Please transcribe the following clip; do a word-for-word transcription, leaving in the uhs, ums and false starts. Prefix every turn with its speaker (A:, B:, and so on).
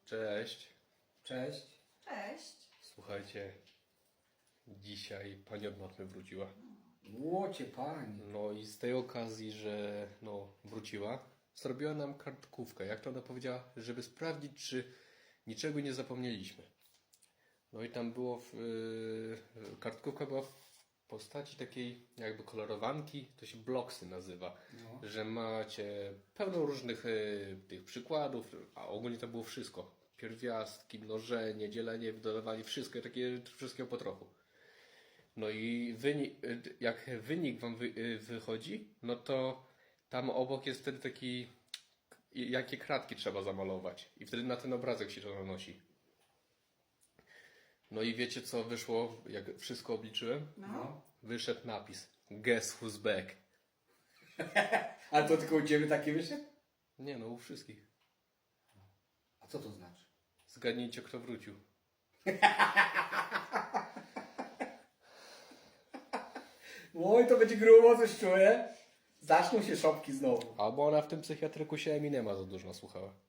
A: Cześć.
B: Cześć.
C: Cześć.
A: Słuchajcie, dzisiaj pani od matmy wróciła.
B: Łocie pani.
A: No i z tej okazji, że no wróciła, zrobiła nam kartkówkę. Jak to ona powiedziała? Żeby sprawdzić, czy niczego nie zapomnieliśmy. No i tam było, w, yy, kartkówka była w postaci takiej jakby kolorowanki, to się bloksy nazywa.
B: No.
A: Że macie pełno różnych yy, tych przykładów, a ogólnie to było wszystko. Pierwiastki, mnożenie, dzielenie, dodawanie, wszystko, takie wszystkiego po trochu. No i wynik, jak wynik wam wy, wychodzi, no to tam obok jest wtedy taki, jakie kratki trzeba zamalować. I wtedy na ten obrazek się to nanosi. No i wiecie co wyszło, jak wszystko obliczyłem?
C: No.
A: Wyszedł napis Guess who's back.
B: Ale to tylko u Ciebie taki wyszedł?
A: Nie no, u wszystkich.
B: A co to znaczy?
A: Zgadnijcie, kto wrócił.
B: Oj, to będzie grubo, coś czuję. Zaczną się szopki znowu.
A: Albo ona w tym psychiatryku się Eminema za dużo słuchała.